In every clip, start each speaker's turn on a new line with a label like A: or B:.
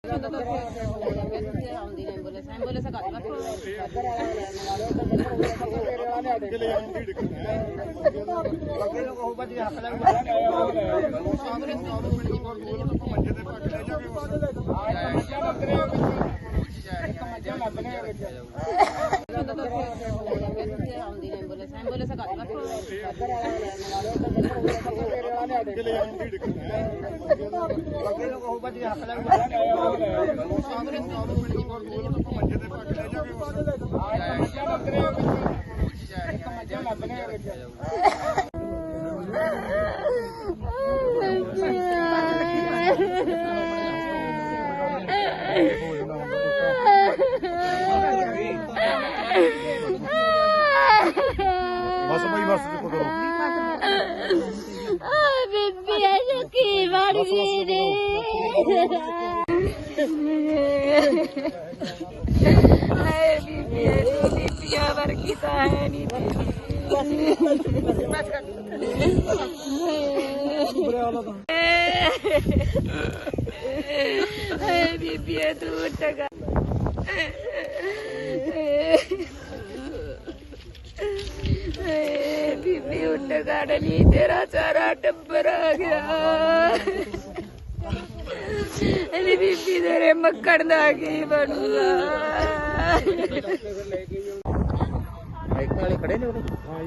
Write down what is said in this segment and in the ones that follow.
A: बीबी उठ गाड़ी तेरा सारा टब्बर आ गया। बीबी तेरे मक्खन दा की बनूगा।
B: खड़े ने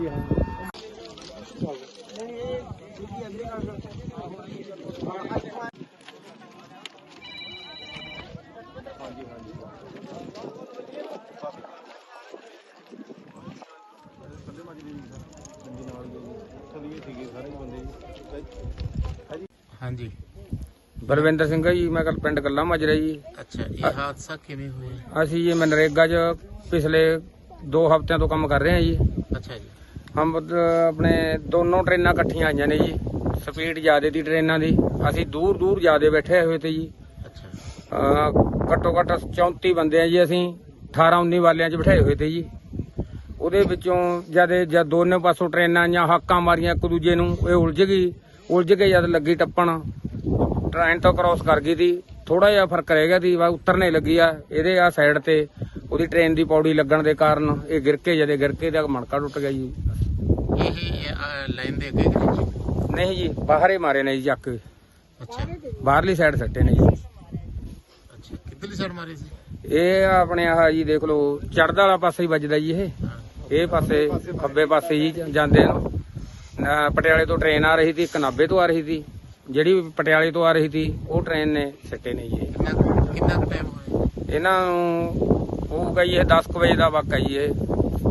C: हाँ जी
B: बलविंदर सिंह जी, मैं कल पिंड गल्ला माजरा जी।
C: अच्छा, ये हादसा किवें होया?
B: ਅਸੀਂ ਜੀ मनरेगा च पिछले 2 हफ्तिਆਂ ਤੋਂ ਕੰਮ कर रहे हैं जी।
C: अच्छा जी,
B: हम अपने दोनों ट्रेनां इकट्ठियां आईਆਂ ਨੇ जी। स्पीड ਜ਼ਿਆਦੇ ਦੀ ਟ੍ਰੇਨਾਂ ਦੀ, ਅਸੀਂ ਦੂਰ ਦੂਰ ਜ਼ਿਆਦੇ ਬੈਠੇ ਹੋਏ ਤੇ ਜੀ।
C: अच्छा
B: ਘੱਟੋ ਘੱਟ 34 ਬੰਦੇ ਆ ਜੀ। ਅਸੀਂ 18 19 ਵਾਲਿਆਂ 'ਚ ਬਿਠਾਏ ਹੋਏ ਤੇ ਜੀ। ਉਹਦੇ ਵਿੱਚੋਂ ਜਦ ਦੋਨੇ ਪਾਸੋਂ ਟ੍ਰੇਨਾਂ ਆਈਆਂ, ਹਾਕਾਂ ਮਾਰੀਆਂ ਇੱਕ ਦੂਜੇ ਨੂੰ, ਇਹ ਉਲਝ ਕੇ ਜਦ ਲੱਗੀ ਟੱਪਣ, ਟ੍ਰੇਨ ਤੋਂ ਕ੍ਰਾਸ ਕਰ ਗਈ ਸੀ। ਥੋੜਾ ਜਿਹਾ ਫਰਕ ਰਹਿ ਗਿਆ ਸੀ, ਉਤਰਨੇ ਲੱਗੀ ਆ ਇਹਦੇ ਆ ਸਾਈਡ ਤੇ। ਉਹਦੀ ਟ੍ਰੇਨ ਦੀ ਪੌੜੀ ਲੱਗਣ ਦੇ ਕਾਰਨ ਇਹ ਗਿਰ ਕੇ ਦਾ ਮਣਕਾ ਟੁੱਟ ਗਿਆ ਜੀ।
C: ਇਹ ਲਾਈਨ ਦੇ ਅੱਗੇ ਕਿ
B: ਨਹੀਂ ਜੀ, ਬਾਹਰ ਹੀ ਮਾਰੇ ਨੇ ਜੀ ਚੱਕ ਕੇ।
C: ਅੱਛਾ
B: ਬਾਹਰਲੀ ਸਾਈਡ ਸੱਟੇ ਨੇ ਜੀ।
C: ਅੱਛਾ, ਕਿੱਧਰਲੀ ਸਾਈਡ ਮਾਰੀ ਸੀ?
B: ਇਹ ਆਪਣੇ ਆਹ ਜੀ ਦੇਖ ਲਓ, ਚੜ੍ਹਦਾ ਵਾਲਾ ਪਾਸੇ ਹੀ ਵੱਜਦਾ ਜੀ। ਇਹ ਪਾਸੇ ਖੱਬੇ ਪਾਸੇ ਜੀ ਜਾਂਦੇ ਨੂੰ। ਪਟਿਆਲੇ ਤੋਂ ਟ੍ਰੇਨ ਆ ਰਹੀ ਸੀ, ਇੱਕ ਨਾਭੇ ਤੋਂ ਆ ਰਹੀ ਸੀ। ਜਿਹੜੀ ਪਟਿਆਲੇ ਤੋਂ ਆ ਰਹੀ ਸੀ ਉਹ ਟ੍ਰੇਨ ਨੇ ਸਿੱਟੇ ਨੇ ਜੀ।
C: ਕਿੰਨਾ ਕੁ ਟਾਈਮ ਹੋਇਆ
B: ਇਹਨਾਂ ਨੂੰ ਹੋਊਗਾ ਜੀ, ਇਹ 10 ਵਜੇ ਦਾ ਵਾਕਾ ਜੀ। ਇਹ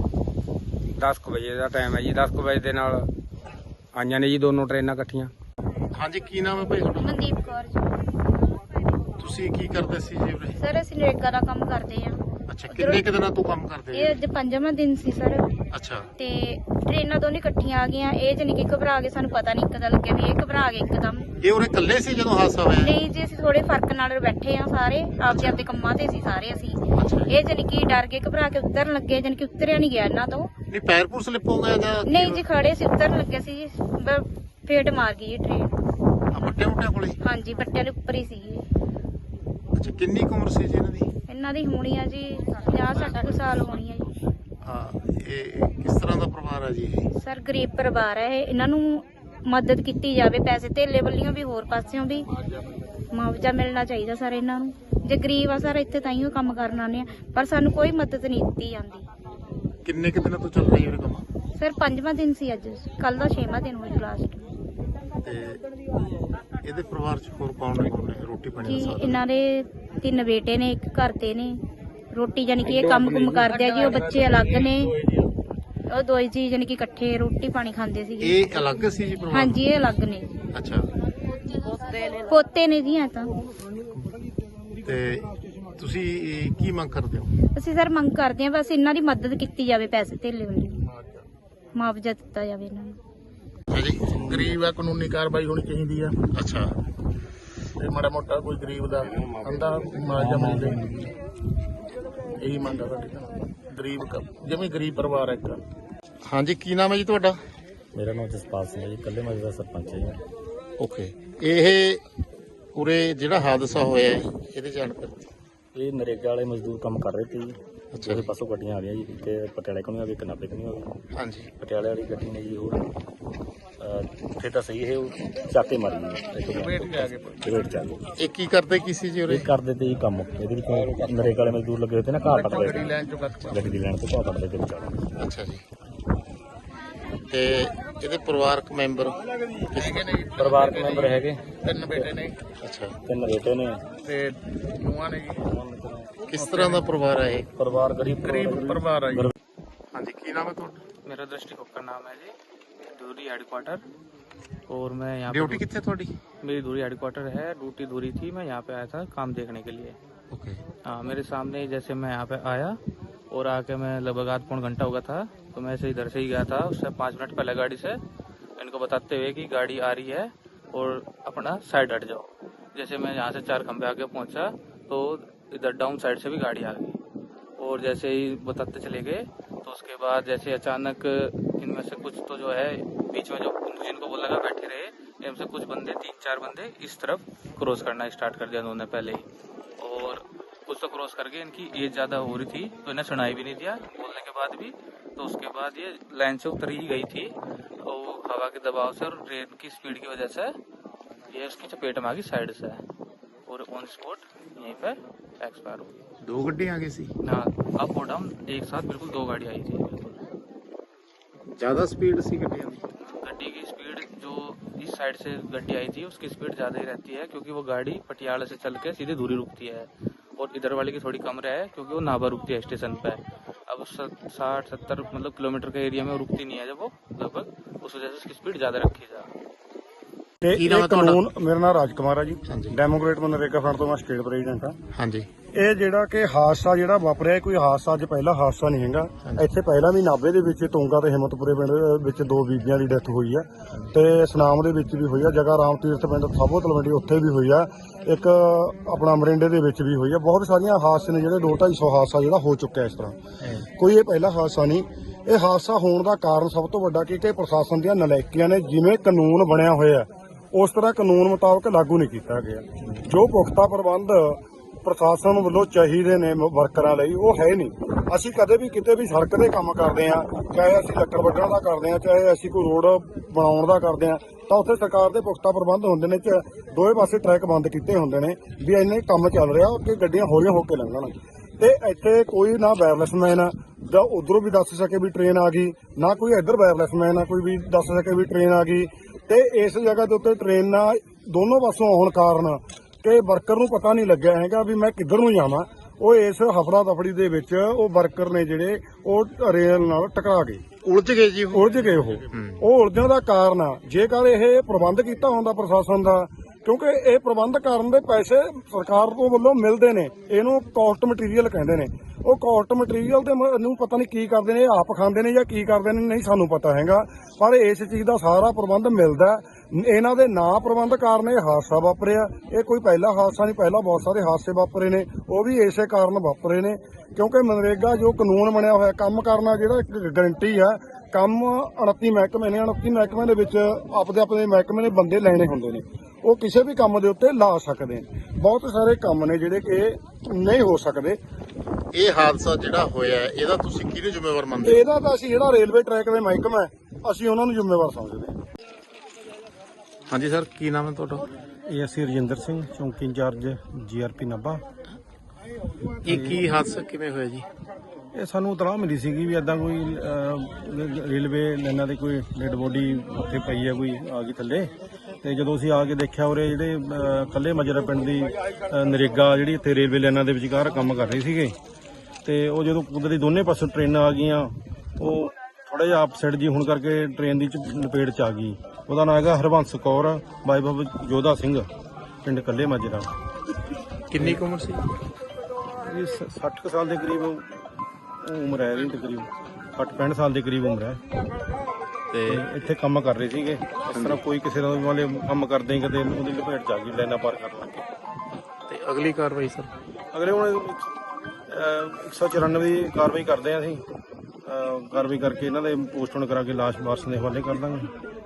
B: 10 ਵਜੇ ਦਾ ਟਾਈਮ ਹੈ ਜੀ। 10 ਵਜੇ ਦੇ ਨਾਲ ਆਈਆਂ ਨੇ ਜੀ ਦੋਨੋਂ ਟ੍ਰੇਨਾਂ ਇਕੱਠੀਆਂ।
C: ਹਾਂਜੀ, ਕੀ ਨਾਮ ਹੈ ਭਾਈ ਤੁਹਾਡਾ?
A: ਮਨਦੀਪ ਕੌਰ ਜੀ।
C: ਤੁਸੀਂ ਕੀ ਕਰਦੇ ਸੀ ਜੀ ਉਰੇ?
A: ਸਰ ਅਸੀਂ ਨਰੇਗਾ ਦਾ ਕੰਮ ਕਰਦੇ ਆ।
C: ਅੱਛਾ, ਕਿੰਨੇ ਕੁ ਦਿਨਾਂ ਤੋਂ ਕੰਮ ਕਰਦੇ
A: ਇਹ ਅੱਜ 5ਵਾਂ ਦਿਨ ਸੀ ਸਰ।
C: ਅੱਛਾ
A: ਤੇ ਟ੍ਰੇਨਾਂ ਦੋਨੇ ਇਕੱਠੀਆਂ ਆ ਗਈਆਂ। ਇਹ ਜਾਨੀ ਕਿ ਘਬਰਾ ਗਏ, ਸਾਨੂੰ ਪਤਾ ਨਹੀਂ ਇੱਕਦਮ ਲੱਗਿਆ ਵੀ ਇਹ ਘਬਰਾ ਗਏ ਇੱਕਦਮ।
C: ਇਹ ਉਰੇ ਇਕੱਲੇ ਸੀ ਜਦੋਂ ਹਾਦਸਾ ਹੋਇਆ?
A: ਨਹੀਂ ਜੀ, ਅਸੀਂ ਥੋੜੇ ਫਰਕ ਨਾਲ ਬੈਠੇ ਆ ਸਾਰੇ, ਆਪਦੇ ਕੰਮਾਂ ਤੇ ਸੀ ਸਾਰੇ ਅਸੀਂ।
C: ਅੱਛਾ,
A: ਇਹ ਜਾਨੀ ਕਿ ਡਰ ਕੇ ਘਬਰਾ ਕੇ ਉਤਰਨ ਲੱਗੇ, ਜਾਨੀ ਕਿ ਉਤਰਿਆ ਨਹੀਂ ਗਿਆ ਇਹਨਾਂ ਤੋਂ।
C: ਨਹੀਂ ਪੈਰ ਪੂਰ ਸਲਿੱਪ ਹੋ ਗਿਆ ਜਾਂ?
A: ਨਹੀਂ ਜੀ, ਖੜੇ ਸੀ, ਉਤਰਨ ਲੱਗੇ ਸੀ ਜੀ, ਫੇਟ ਮਾਰ ਗਈ ਇਹ ਟ੍ਰੇਨ।
C: ਵੱਟਿਆਂ ਕੋਲੇ?
A: ਹਾਂਜੀ, ਬੱਟਿਆਂ ਦੇ ਉੱਪਰ ਹੀ ਸੀ।
C: ਅੱਛਾ, ਕਿੰਨੀ ਕੁ ਉਮਰ ਸੀ ਜੀ ਇਹਨਾਂ ਦੀ?
A: ਇਹਨਾਂ ਦੀ ਹੋਣੀ ਆ ਜੀ 50-60 ਸਾਲ ਹੋਣੀ ਆ ਜੀ।
C: ਹਾਂ, ਇਹ ਕਿਸ ਤਰ੍ਹਾਂ ਦਾ ਪਰਿਵਾਰ ਹੈ ਜੀ ਇਹ?
A: ਸਰ ਗਰੀਬ ਪਰਿਵਾਰ ਹੈ ਇਹ। ਇਹਨਾਂ ਨੂੰ ਮਦਦ ਕੀਤੀ ਜਾਵੇ, ਪੈਸੇ ਧੇਲੇ ਵੱਲੋਂ ਵੀ ਹੋਰ ਪਾਸਿਓਂ ਵੀ ਮੁਆਵਜ਼ਾ ਮਿਲਣਾ ਚਾਹੀਦਾ ਸਰ ਇਹਨਾਂ ਨੂੰ। ਜੇ ਗਰੀਬ ਆ ਸਰ, ਇੱਥੇ ਤਾਈਓ ਕੰਮ ਕਰਨ ਆਉਂਦੇ ਆ, ਪਰ ਸਾਨੂੰ ਕੋਈ ਮਦਦ ਨਹੀਂ ਦਿੱਤੀ ਜਾਂਦੀ।
C: ਕਿੰਨੇ ਕੁ ਦਿਨਾਂ ਤੋਂ ਚੱਲ ਰਹੀ ਹੈ ਇਹ ਕੰਮ?
A: ਸਰ 5ਵਾਂ ਦਿਨ ਸੀ ਅੱਜ, ਕੱਲ ਦਾ 6ਵਾਂ ਦਿਨ ਹੋ ਜੂ ਲਾਸਟ।
C: ਤੇ ਇਹਦੇ ਪਰਿਵਾਰ ਚ ਹੋਰ ਕੌਣ ਨੇ ਰੋਟੀ ਪਾਣੀ ਦਾ
A: ਜੀ
C: ਸਾਧਨ?
A: ਇਹਨਾਂ ਦੇ 3 ਬੇਟੇ ਨੇ, ਇੱਕ ਘਰ ਤੇ ਨੇ। ਰੋਟੀ ਜਾਨੀ ਕਿ ਇਹ ਕੰਮ ਕੁਮ ਕਰਦੇ ਆ ਜੀ, ਉਹ ਬੱਚੇ ਅਲੱਗ ਨੇ। ਉਹ ਦੋਈ ਜੀ ਜਾਨੀ ਕਿ ਇਕੱਠੇ ਰੋਟੀ ਪਾਣੀ ਖਾਂਦੇ ਸੀਗੇ।
C: ਇਹ ਅਲੱਗ ਸੀ ਜੀ ਪਰਿਵਾਰ?
A: ਹਾਂਜੀ, ਇਹ ਅਲੱਗ ਨੇ।
C: ਅੱਛਾ,
A: ਪੋਤੇ ਨੇ ਜੀ ਐ ਤਾਂ।
C: ਤੇ ਤੁਸੀਂ ਕੀ ਮੰਗ ਕਰਦੇ ਹੋ?
A: ਅਸੀਂ ਸਰ ਮੰਗ ਕਰਦੇ ਹਾਂ ਬਸ ਇਹਨਾਂ ਦੀ ਮਦਦ ਕੀਤੀ ਜਾਵੇ, ਪੈਸੇ ਧੇਲੇ ਵੱਲੋਂ ਮੁਆਵਜ਼ਾ ਦਿੱਤਾ ਜਾਵੇ ਇਹਨਾਂ ਨੂੰ।
C: ਅੱਛਾ ਜੀ, ਗਰੀਬ ਆ, ਕਾਨੂੰਨੀ ਕਾਰਵਾਈ ਹੋਣੀ ਚਾਹੀਦੀ ਆ। ਅੱਛਾ, ਤੇ ਮਾੜਾ ਮੋਟਾ ਕੋਈ ਗਰੀਬ ਦਾ ਅੰਦਾ ਮੁਆਵਜ਼ਾ ਮਿਲ ਜਾਏ, ਇਹੀ ਮੰਗ ਆ ਸਾਡੀ। ਗਰੀਬ ਜਿਵੇਂ ਗਰੀਬ ਪਰਿਵਾਰ ਹੈ ਇੱਕ। ਹਾਂਜੀ, ਕੀ ਨਾਮ ਹੈ ਜੀ ਤੁਹਾਡਾ?
D: ਮੇਰਾ ਨਾਮ ਜਸਪਾਲ ਸਿੰਘ ਹੈ ਜੀ, ਕੱਲੇ ਮਾਜਰੇ ਦਾ ਸਰਪੰਚ ਹੈ ਜੀ।
C: ਓਕੇ, ਇਹ ਉਰੇ ਜਿਹੜਾ ਹਾਦਸਾ ਹੋਇਆ ਹੈ, ਇਹਦੀ ਜਾਣਕਾਰੀ।
D: ਇਹ ਨਰੇਗਾ ਵਾਲੇ ਮਜ਼ਦੂਰ ਕੰਮ ਕਰ ਰਹੇ ਸੀ ਜੀ।
C: ਅੱਛਾ
D: ਉਹਦੇ ਪਾਸੋਂ ਗੱਡੀਆਂ ਆ ਰਹੀਆਂ ਜੀ, ਇੱਕ ਪਟਿਆਲੇ ਕੋਲ ਆ ਗਈ, ਇੱਕ ਨਾਭੇ ਕੋਲ ਆ ਗਈ।
C: ਹਾਂਜੀ।
D: ਪਟਿਆਲੇ ਵਾਲੀ ਗੱਡੀ ਨੇ ਜੀ ਉਹ ਉੱਥੇ ਤਾਂ ਸਹੀ ਇਹ ਉਹ ਚਾਕੇ ਮਾਰੀ ਜੀ,
C: ਵੇਟ ਜਾ ਕੇ
D: ਵੇਟ ਚੱਲ
C: ਇਹ ਕੀ ਕਰਦੇ ਕੀ ਸੀ ਜੀ ਉਰੇ?
D: ਇਹ ਕਰਦੇ ਤੇ ਜੀ ਕੰਮ। ਇਹਦੇ ਵਿੱਚ ਨਰੇਗਾ ਵਾਲੇ ਮਜ਼ਦੂਰ ਲੱਗੇ ਹੋਏ ਤੇ ਨਾ ਘਾਹ
C: ਗੱਡੀ
D: ਕੱਟਦੇ,
C: ਲੈਣ ਚੋਂ ਕੱਟ
D: ਗੱਡੀ ਦੀ ਲੈਣ ਤੋਂ ਘਾਹ ਕੱਟਦੇ ਤੇ ਵਿਚਾਲੇ।
C: ਅੱਛਾ ਜੀ। ਤੇ ਇਹਦੇ ਪਰਿਵਾਰਕ ਮੈਂਬਰ ਹੈਗੇ ਨੇ ਜੀ?
D: ਪਰਿਵਾਰਕ ਮੈਂਬਰ ਹੈਗੇ
C: 3 ਬੇਟੇ ਨੇ। ਅੱਛਾ।
D: 3 ਬੇਟੇ ਨੇ
C: ਤੇ ਨੂੰਹਾਂ ਨੇ ਜੀ? ਕਿਸ ਤਰ੍ਹਾਂ ਦਾ ਪਰਿਵਾਰ ਹੈ ਇਹ?
D: ਪਰਿਵਾਰ ਗਰੀਬ
C: ਪਰਿਵਾਰ ਹੈ ਜੀ। ਹਾਂਜੀ, ਕੀ ਨਾਮ ਹੈ ਤੁਹਾਡਾ?
E: मेरा दृष्टिकोण का नाम है जी धूरी हेडक्वार्टर। और मैं यहाँ
C: ड्यूटी कितने थोड़ी?
E: मेरी धूरी हेडक्वार्टर है, ड्यूटी धूरी थी। मैं यहाँ पे आया था काम देखने के लिए।
C: ओके।
E: हाँ, मेरे सामने ही जैसे मैं यहाँ पे आया और आके मैं लगभग आध पौन घंटा हुआ था, तो मैं ऐसे इधर से ही गया था। उससे 5 मिनट पहले गाड़ी से इनको बताते हुए कि गाड़ी आ रही है और अपना साइड हट जाओ। जैसे मैं यहाँ से 4 खंबे आगे पहुँचा तो इधर डाउन साइड से भी गाड़ी आ गई। और जैसे ही बताते चले गए तो उसके बाद जैसे अचानक इनमें से कुछ तो जो है बीच में जो जिनको बोला लगा बैठे रहे, इनमें से कुछ बंदे 3-4 बंदे इस तरफ क्रॉस करना स्टार्ट कर दिया उन्होंने पहले ही। और कुछ तो क्रॉस करके इनकी एज ज़्यादा हो रही थी तो इन्हें सुनाई भी नहीं दिया बोलने के बाद भी। तो उसके बाद ये लाइन से उतर ही गई थी और हवा के दबाव से और ट्रेन की स्पीड की वजह से ये उसकी चपेट में आ गई साइड से और ऑन स्पॉट यहीं पर एक्सपायर हो गई।
C: 2 ਗੱਡੀਆਂ ਆ ਗਈ ਸੀ?
E: हाँ, अप और डाउन एक साथ बिल्कुल 2 गाड़ी आई थी। बिल्कुल
C: ਜ਼ਿਆਦਾ ਸਪੀਡ ਸੀ ਗੱਡੀਆਂ ਦੀ?
E: गड्डी की स्पीड जो इस साइड से गड्डी आई थी उसकी स्पीड ज़्यादा ही रहती है, क्योंकि वो गाड़ी पटियाला से चल के सीधे दूरी रुकती है और इधर वाली की थोड़ी कम रहे क्योंकि वो नाभा रुकती है स्टेशन पे। अब 60-70 मतलब किलोमीटर के एरिया में वो रुकती नहीं है जब वो लगभग, उस वजह से उसकी स्पीड ज़्यादा रखी जा।
F: ਤੇ
C: ਕੀ ਨਾਮ ਹੈ
F: ਇਹ
C: ਤੁਹਾਡਾ?
F: ਕਾਨੂੰਨ, ਮੇਰਾ ਨਾਮ ਰਾਜ ਕੁਮਾਰ ਹੈ ਜੀ।
C: ਹਾਂਜੀ।
F: ਡੈਮੋਕ੍ਰੇਟ ਮਨਰੇਗਾ ਫਰੰਟ ਤੋਂ ਮੈਂ ਸਟੇਟ ਪ੍ਰੈਜ਼ੀਡੈਂਟ ਹਾਂ।
C: ਹਾਂਜੀ।
F: ਇਹ ਜਿਹੜਾ ਕਿ ਹਾਦਸਾ ਜਿਹੜਾ ਵਾਪਰਿਆ, ਇਹ ਕੋਈ ਹਾਦਸਾ ਅੱਜ ਪਹਿਲਾ ਹਾਦਸਾ ਨਹੀਂ ਹੈਗਾ। ਇੱਥੇ ਪਹਿਲਾਂ ਵੀ ਨਾਭੇ ਦੇ ਵਿੱਚ ਤੁੰਗਾ ਤੇ ਹਿੰਮਤਪੁਰੇ ਪਿੰਡ ਦੇ ਵਿੱਚ 2 ਬੀਬੀਆਂ ਦੀ ਡੈਥ ਹੋਈ ਹੈ ਤੇ ਸਨਾਮ ਦੇ ਵਿੱਚ ਵੀ ਹੋਈ ਹੈ। ਜਗ੍ਹਾ ਰਾਮ ਤੀਰਥ ਪਿੰਡ ਸਾਬੋ ਤਲਵੰਡੀ ਉੱਥੇ ਵੀ ਹੋਈ ਹੈ। ਇੱਕ ਆਪਣਾ ਮਰਿੰਡੇ ਦੇ ਵਿੱਚ ਵੀ ਹੋਈ ਹੈ। ਬਹੁਤ ਸਾਰੀਆਂ ਹਾਦਸੇ ਨੇ ਜਿਹੜੇ 200-250 ਹਾਦਸਾ ਜਿਹੜਾ ਹੋ ਚੁੱਕਿਆ ਇਸ ਤਰ੍ਹਾਂ। ਕੋਈ ਇਹ ਪਹਿਲਾ ਹਾਦਸਾ ਨਹੀਂ। ਇਹ ਹਾਦਸਾ ਹੋਣ ਦਾ ਕਾਰਨ ਸਭ ਤੋਂ ਵੱਡਾ ਕਿ ਪ੍ਰਸ਼ਾਸਨ ਦੀਆਂ ਨਲਾਇਕੀਆਂ ਨੇ, ਜਿਵੇਂ ਕਾਨੂੰਨ ਬਣਿਆ ਹੋਇਆ ਉਸ ਤਰ੍ਹਾਂ ਕਾਨੂੰਨ ਮੁਤਾਬਕ ਲਾਗੂ ਨਹੀਂ ਕੀਤਾ ਗਿਆ। ਜੋ ਪੁਖਤਾ ਪ੍ਰਬੰਧ ਪ੍ਰਸ਼ਾਸਨ ਵੱਲੋਂ ਚਾਹੀਦੇ ਨੇ ਵਰਕਰਾਂ ਲਈ ਉਹ ਹੈ ਨਹੀਂ। ਅਸੀਂ ਕਦੇ ਵੀ ਕਿਤੇ ਵੀ ਸੜਕ ਦੇ ਕੰਮ ਕਰਦੇ ਆ, ਚਾਹੇ ਅਸੀਂ ਲੱਕੜ ਵੱਢਣ ਦਾ ਕਰਦੇ ਆ, ਚਾਹੇ ਅਸੀਂ ਕੋਈ ਰੋਡ ਬਣਾਉਣ ਦਾ ਕਰਦੇ ਆ, ਤਾਂ ਉੱਥੇ ਸਰਕਾਰ ਦੇ ਪੁਖਤਾ ਪ੍ਰਬੰਧ ਹੁੰਦੇ ਨੇ। ਦੋਵੇਂ ਪਾਸੇ ਟਰੈਕ ਬੰਦ ਕੀਤੇ ਹੁੰਦੇ ਨੇ ਵੀ ਇੰਨੇ ਕੰਮ ਚੱਲ ਰਿਹਾ ਕਿ ਗੱਡੀਆਂ ਹੌਲੀਆਂ ਹੋ ਕੇ ਲੰਘਣ। ਤੇ ਇੱਥੇ ਕੋਈ ਨਾ ਵਾਇਰਲੈਸਮੈਨ ਆ ਜਾਂ ਉਧਰੋਂ ਵੀ ਦੱਸ ਸਕੇ ਵੀ ਟ੍ਰੇਨ ਆ ਗਈ, ਨਾ ਕੋਈ ਇੱਧਰ ਵਾਇਰਲੈਸਮੈਨ ਆ ਕੋਈ ਵੀ ਦੱਸ ਸਕੇ ਵੀ ਟ੍ਰੇਨ ਆ ਗਈ। ਤੇ ਇਸ ਜਗ੍ਹਾ ਦੇ ਉੱਤੇ ਟ੍ਰੇਨਾਂ ਦੋਨੋਂ ਪਾਸੋਂ ਆਉਣ ਕਾਰਨ ਕਿ ਵਰਕਰ ਨੂੰ ਪਤਾ ਨਹੀਂ ਲੱਗਿਆ ਹੈਗਾ ਵੀ ਮੈਂ ਕਿੱਧਰ ਨੂੰ ਜਾਵਾਂ। ਉਹ ਇਸ ਹਫੜਾ ਦਫੜੀ ਦੇ ਵਿੱਚ ਉਹ ਵਰਕਰ ਨੇ ਜਿਹੜੇ ਉਹ ਰੇਲ ਨਾਲ ਟਕਰਾ ਗਏ,
C: ਉਲਝ ਗਏ ਜੀ?
F: ਉਲਝ ਗਏ। ਉਹ ਉਲਝਣ ਦਾ ਕਾਰਨ ਆ ਜੇਕਰ ਇਹ ਪ੍ਰਬੰਧ ਕੀਤਾ ਹੁੰਦਾ ਪ੍ਰਸ਼ਾਸਨ ਦਾ, ਕਿਉਂਕਿ ਇਹ ਪ੍ਰਬੰਧ ਕਰਨ ਦੇ ਪੈਸੇ ਸਰਕਾਰ ਤੋਂ ਵੱਲੋਂ ਮਿਲਦੇ ਨੇ, ਇਹਨੂੰ ਕਾਸਟ ਮਟੀਰੀਅਲ ਕਹਿੰਦੇ ਨੇ। ਉਹ ਕਾਸਟ ਮਟੀਰੀਅਲ ਦੇ ਨੂੰ ਪਤਾ ਨਹੀਂ ਕੀ ਕਰਦੇ ਨੇ, ਇਹ ਆਪ ਖਾਂਦੇ ਨੇ ਜਾਂ ਕੀ ਕਰਦੇ ਨੇ, ਨਹੀਂ ਸਾਨੂੰ ਪਤਾ ਹੈਗਾ। ਪਰ ਇਸ ਚੀਜ਼ ਦਾ ਸਾਰਾ ਪ੍ਰਬੰਧ ਮਿਲਦਾ। ਇਹਨਾਂ ਦੇ ਨਾ ਪ੍ਰਬੰਧ ਕਾਰਨ ਇਹ ਹਾਦਸਾ ਵਾਪਰਿਆ। ਇਹ ਕੋਈ ਪਹਿਲਾ ਹਾਦਸਾ ਨਹੀਂ, ਪਹਿਲਾਂ ਬਹੁਤ ਸਾਰੇ ਹਾਦਸੇ ਵਾਪਰੇ ਨੇ, ਉਹ ਵੀ ਇਸੇ ਕਾਰਨ ਵਾਪਰੇ ਨੇ। ਕਿਉਂਕਿ ਮਨਰੇਗਾ ਜੋ ਕਾਨੂੰਨ ਬਣਿਆ ਹੋਇਆ ਕੰਮ ਕਰਨਾ ਜਿਹੜਾ ਇੱਕ ਗਰੰਟੀ ਆ, ਕੰਮ 29 ਮਹਿਕਮੇ ਨੇ, 29 ਮਹਿਕਮਿਆਂ ਦੇ ਵਿੱਚ ਆਪਣੇ ਮਹਿਕਮੇ ਨੇ ਬੰਦੇ ਲੈਣੇ ਹੁੰਦੇ ਨੇ, ਉਹ ਕਿਸੇ ਵੀ ਕੰਮ ਦੇ ਉੱਤੇ ਲਾ ਸਕਦੇ ਨੇ। ਬਹੁਤ ਸਾਰੇ ਕੰਮ ਨੇ ਜਿਹੜੇ ਕਿ ਨਹੀਂ ਹੋ ਸਕਦੇ।
C: ਇਹ ਹਾਦਸਾ ਜਿਹੜਾ ਹੋਇਆ ਇਹਦਾ ਤੁਸੀਂ ਕਿਹਨੂੰ ਜ਼ਿੰਮੇਵਾਰ ਮੰਨਦੇ?
F: ਇਹਦਾ ਤਾਂ ਅਸੀਂ ਜਿਹੜਾ ਰੇਲਵੇ ਟਰੈਕ ਦੇ ਮਹਿਕਮਾ ਅਸੀਂ ਉਹਨਾਂ ਨੂੰ ਜ਼ਿੰਮੇਵਾਰ ਸਮਝਦੇ ਹਾਂ।
C: ਹਾਂਜੀ ਸਰ, ਕੀ ਨਾਮ ਹੈ ਤੁਹਾਡਾ?
F: ਇਹ ਅਸੀਂ ਰਜਿੰਦਰ ਸਿੰਘ, ਚੌਂਕੀ ਇੰਚਾਰਜ GRP ਨਾਭਾ।
C: ਇਹ ਕੀ ਹਾਦਸਾ ਕਿਵੇਂ ਹੋਇਆ ਜੀ?
F: ਇਹ ਸਾਨੂੰ ਇਤਲਾਹ ਮਿਲੀ ਸੀਗੀ ਵੀ ਏਦਾਂ ਕੋਈ ਰੇਲਵੇ ਲਾਈਨਾਂ ਦੇ ਕੋਈ ਡੈਡ ਬੋਡੀ ਉੱਥੇ ਪਈ ਹੈ, ਕੋਈ ਆ ਗਈ ਥੱਲੇ। ਤੇ ਜਦੋਂ ਅਸੀਂ ਆ ਕੇ ਦੇਖਿਆ ਉਰੇ ਜਿਹੜੇ ਕੱਲੇ ਮਜਰਾ ਪਿੰਡ ਦੀ ਨਰੇਗਾ ਜਿਹੜੀ ਇੱਥੇ ਰੇਲਵੇ ਲਾਈਨਾਂ ਦੇ ਵਿਚਕਾਰ ਕੰਮ ਕਰ ਰਹੀ ਸੀਗੇ, ਤੇ ਉਹ ਜਦੋਂ ਕੁਦਰਤੀ ਦੋਨੇ ਪਾਸੋਂ ਟ੍ਰੇਨਾਂ ਆ ਗਈਆਂ, ਉਹ ਥੋੜਾ ਜਿਹਾ ਆਪਸਾਈਡ ਜੀ ਹੋਣ ਕਰਕੇ ਟ੍ਰੇਨ ਦੀ ਲਪੇਟ ਚ ਆ ਗਈ। ਉਹਦਾ ਨਾਂ ਹੈਗਾ ਹਰਬੰਸ ਕੌਰ, ਬਾਈ ਬਾਬਾ ਜੋਧਾ ਸਿੰਘ, ਪਿੰਡ ਕੱਲੇ ਮਾਜਰਾ।
C: ਕਿੰਨੀ ਕੁ ਉਮਰ ਸੀ?
F: ਇਹ 60 ਕੁ ਸਾਲ ਦੇ ਕਰੀਬ ਉਮਰ ਹੈ ਇਹਦੀ, ਤਕਰੀਬ 60-65 ਸਾਲ ਦੇ ਕਰੀਬ ਉਮਰ ਹੈ। ਤੇ ਇੱਥੇ ਕੰਮ ਕਰ ਰਹੇ ਸੀਗੇ। ਇਸ ਤਰ੍ਹਾਂ ਕੋਈ ਕਿਸੇ ਦਾ ਵਾਲੇ ਕੰਮ ਕਰਦੇ ਹੀ ਕਦੇ ਉਹਦੀ ਲਪੇਟ ਚ ਆ ਗਈ, ਲਾਈਨਾਂ ਪਾਰ ਕਰਨ ਲੱਗੇ।
C: ਤੇ ਅਗਲੀ ਕਾਰਵਾਈ ਸਰ?
F: ਅਗਲੇ ਹੁਣ 194 ਦੀ ਕਾਰਵਾਈ ਕਰਦੇ ਆ ਅਸੀਂ। ਕਾਰਵਾਈ ਕਰਕੇ ਇਹਨਾਂ ਦੇ ਪੋਸਟਮਾਰਟਮ ਕਰਾ ਕੇ ਲਾਸ਼ ਵਾਰਸਾਂ ਦੇ ਹਵਾਲੇ ਕਰ ਦਾਂਗੇ।